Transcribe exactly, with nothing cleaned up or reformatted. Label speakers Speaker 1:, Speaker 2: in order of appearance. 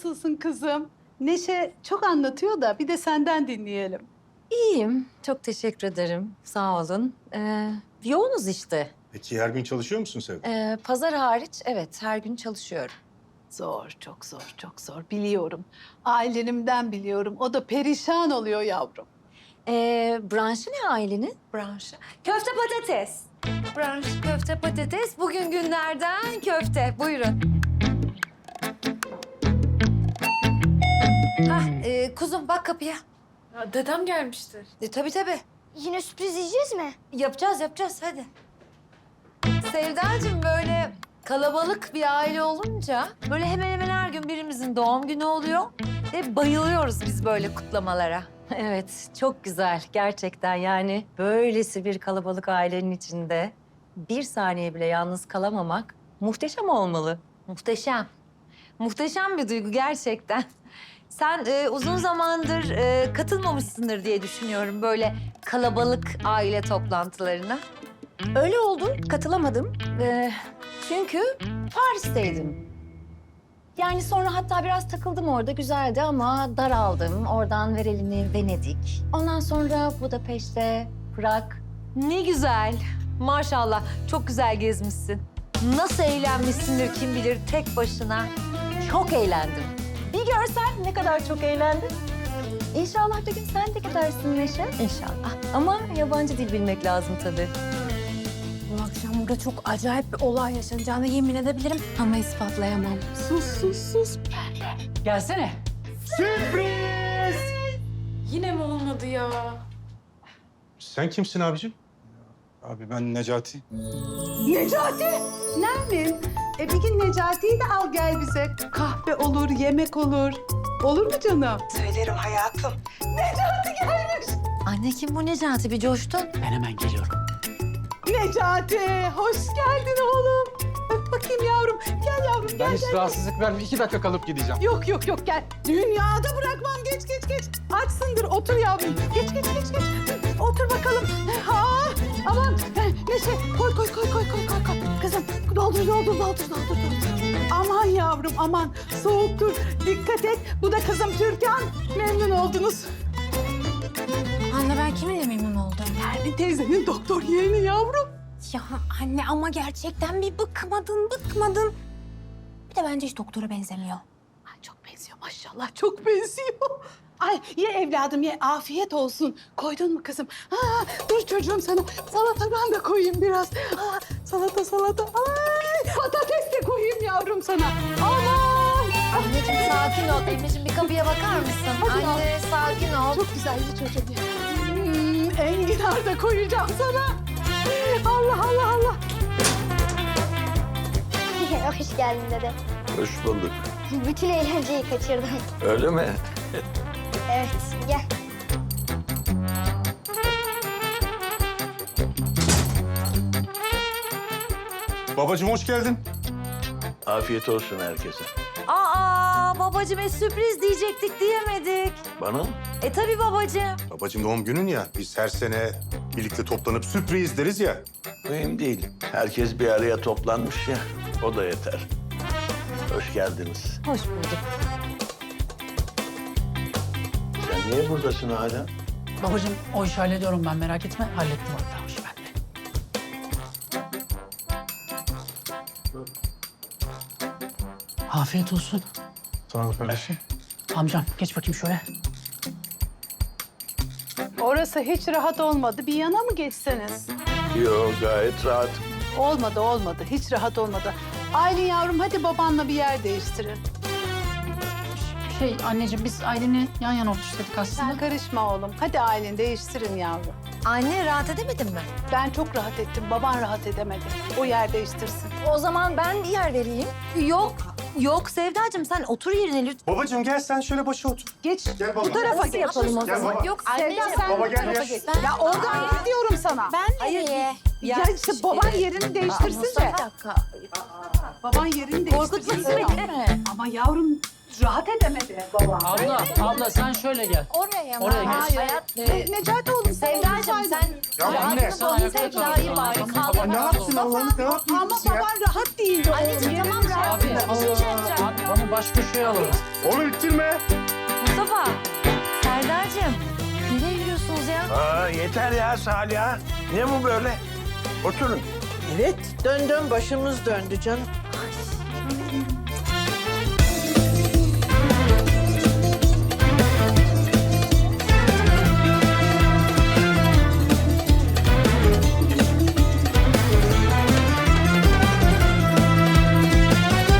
Speaker 1: nasılsın kızım? Neşe çok anlatıyor da bir de senden dinleyelim.
Speaker 2: İyiyim. Çok teşekkür ederim. Sağ olun. Ee, yoğunuz işte.
Speaker 3: Peki her gün çalışıyor musun Sevda?
Speaker 2: Ee, pazar hariç evet her gün çalışıyorum.
Speaker 1: Zor, çok zor, çok zor. Biliyorum. Ailenimden biliyorum. O da perişan oluyor yavrum.
Speaker 2: Ee, branşı ne ailenin? Branşı. Köfte patates. Branş köfte patates. Bugün günlerden köfte. Buyurun. Hah, e, kuzum bak kapıya.
Speaker 4: Ya dedem gelmiştir.
Speaker 2: E, tabii tabii.
Speaker 5: Yine sürpriz yiyeceğiz mi?
Speaker 2: Yapacağız, yapacağız. Hadi. Sevdacığım böyle kalabalık bir aile olunca böyle hemen hemen her gün birimizin doğum günü oluyor. Ve bayılıyoruz biz böyle kutlamalara. Evet, çok güzel gerçekten yani. Böylesi bir kalabalık ailenin içinde bir saniye bile yalnız kalamamak muhteşem olmalı. Muhteşem. Muhteşem bir duygu gerçekten. Sen e, uzun zamandır e, katılmamışsındır diye düşünüyorum böyle kalabalık aile toplantılarına. Öyle oldu, katılamadım. Ee, çünkü Paris'teydim. Yani sonra hatta biraz takıldım orada, güzeldi ama daraldım. Oradan Verelini, Venedik. Ondan sonra Budapeşte, Prag. Ne güzel. Maşallah, çok güzel gezmişsin. Nasıl eğlenmişsindir kim bilir tek başına. Çok eğlendim. Bir görsen ne kadar çok eğlendim. İnşallah bir gün sen de gidersin Neşe. İnşallah. Ama yabancı dil bilmek lazım tabii.
Speaker 4: Bu akşam burada çok acayip bir olay yaşanacağını yemin edebilirim ama ispatlayamam.
Speaker 1: Sus, sus, sus.
Speaker 4: Gelsene. Sürpriz! Yine mi olmadı ya?
Speaker 3: Sen kimsin abicim?
Speaker 6: Abi ben Necati.
Speaker 1: Necati! Nermin? E bir gün Necati'yi de al gel bize. Kahve olur, yemek olur. Olur mu canım?
Speaker 7: Söylerim hayatım.
Speaker 1: Necati gelmiş.
Speaker 2: Anne kim bu Necati? Bir coştun.
Speaker 8: Ben hemen geliyorum.
Speaker 1: Necati, hoş geldin oğlum. Öp bakayım yavrum. Gel yavrum, gel
Speaker 6: Ben hiç
Speaker 1: gel.
Speaker 6: rahatsızlık verme. İki dakika kalıp gideceğim.
Speaker 1: Yok yok yok gel. Dünyada bırakmam. Geç geç geç. Açsındır. Otur yavrum. Geç geç geç geç. Otur bakalım. Ha, aman. Neşe koy koy koy koy koy koy. koy. Kızım doldur doldur doldur doldur. doldur. Aman yavrum aman. Soğuktur. Dikkat et. Bu da kızım Türkan. Memnun oldunuz.
Speaker 4: Anne ben kiminle memnun oldum?
Speaker 1: Nermin teyzenin doktor yeğeni yavrum.
Speaker 4: Ya anne ama gerçekten bir bıkmadın, bıkmadın. Bir de bence hiç doktora benzemiyor.
Speaker 1: Ay çok benziyor maşallah. Çok benziyor. Ay ye evladım ye. Afiyet olsun. Koydun mu kızım? Ha, dur çocuğum sana salatadan da koyayım biraz. Ha, salata salata. Ay patates de koyayım yavrum sana. Aman.
Speaker 2: Anneciğim sakin ol. Anneciğim bir kapıya bakar mısın?
Speaker 1: Hadi
Speaker 2: Anne sakin ol.
Speaker 1: Çok güzel ye çocuğum ye. Hmm, enginar da koyacağım sana. Allah Allah Allah.
Speaker 5: Hoş geldin dede.
Speaker 9: Hoş bulduk.
Speaker 5: Bütün eğlenceyi kaçırdım.
Speaker 9: Öyle mi?
Speaker 5: Evet, gel.
Speaker 3: Babacığım hoş geldin.
Speaker 9: Afiyet olsun herkese.
Speaker 2: Aa babacığım e, sürpriz diyecektik diyemedik.
Speaker 9: Bana mı?
Speaker 2: E tabii babacığım.
Speaker 3: Babacığım doğum günün ya. Biz her sene birlikte toplanıp sürpriz deriz ya.
Speaker 9: Mühim değil. Herkes bir araya toplanmış ya. O da yeter. Hoş geldiniz.
Speaker 2: Hoş bulduk.
Speaker 9: Sen niye buradasın hala?
Speaker 8: Babacığım o işi hallediyorum ben merak etme. Hallettim hatta o işi ben de. Afiyet olsun.
Speaker 6: Sağ ol kardeşim.
Speaker 8: Amcam geç bakayım şöyle.
Speaker 1: Orası hiç rahat olmadı. Bir yana mı geçseniz?
Speaker 9: Yo gayet rahat.
Speaker 1: Olmadı olmadı. Hiç rahat olmadı. Aylin yavrum hadi babanla bir yer değiştirin.
Speaker 8: Şey anneciğim biz Aylin'i yan yana oturttuk aslında.
Speaker 1: Sen karışma oğlum. Hadi Aylin değiştirin yavrum.
Speaker 2: Anne rahat edemedin mi?
Speaker 1: Ben çok rahat ettim. Baban rahat edemedi. O yer değiştirsin.
Speaker 2: O zaman ben bir yer vereyim. Yok. Yok Sevdacığım sen otur yerine lütfen.
Speaker 3: Babacığım gel sen şöyle başa otur.
Speaker 1: Geç.
Speaker 3: Gel baba.
Speaker 1: Bu tarafa
Speaker 2: Nasıl
Speaker 1: geç.
Speaker 2: yapalım o
Speaker 3: Gel
Speaker 2: zaman?
Speaker 3: baba.
Speaker 2: Yok
Speaker 1: Sevda
Speaker 2: anneciğim.
Speaker 1: sen
Speaker 3: Baba
Speaker 1: bu
Speaker 3: gel
Speaker 1: tarafa
Speaker 3: ya.
Speaker 1: geç. Ya oradan git diyorum sana.
Speaker 4: Ben
Speaker 2: Hayır.
Speaker 4: nereye?
Speaker 1: Ya, işte baban yerini değiştirsin de.
Speaker 2: Bir dakika.
Speaker 1: Baban yerini
Speaker 2: Korkutma
Speaker 1: değiştirsin.
Speaker 2: beni.
Speaker 1: Ama yavrum rahat edemedi baba.
Speaker 8: Abla, abla sen şöyle gel.
Speaker 2: Oraya mı?
Speaker 8: Oraya geç.
Speaker 2: Hayır. Hayat,
Speaker 1: Ne- Necati oğlum sen
Speaker 2: Sevdacığım
Speaker 1: olsaydın.
Speaker 2: sen...
Speaker 6: Ya anne, sen ayakta kal.
Speaker 2: Sevda'yı bari
Speaker 6: Tamam,
Speaker 2: kaldır.
Speaker 6: tamam,
Speaker 3: Ne yapsın Allah'ım ne yapayım
Speaker 1: Ama
Speaker 3: biz ya?
Speaker 1: baban rahat değildi oğlum.
Speaker 2: Anneciğim tamam rahat.
Speaker 8: Abi, abi onu baş köşeye alalım.
Speaker 3: Onu ittirme.
Speaker 2: Mustafa, Serdar'cığım nereye yürüyorsunuz ya?
Speaker 9: Aa, yeter ya Salih. Ne bu böyle? Oturun.
Speaker 7: Evet, döndüm başımız döndü canım.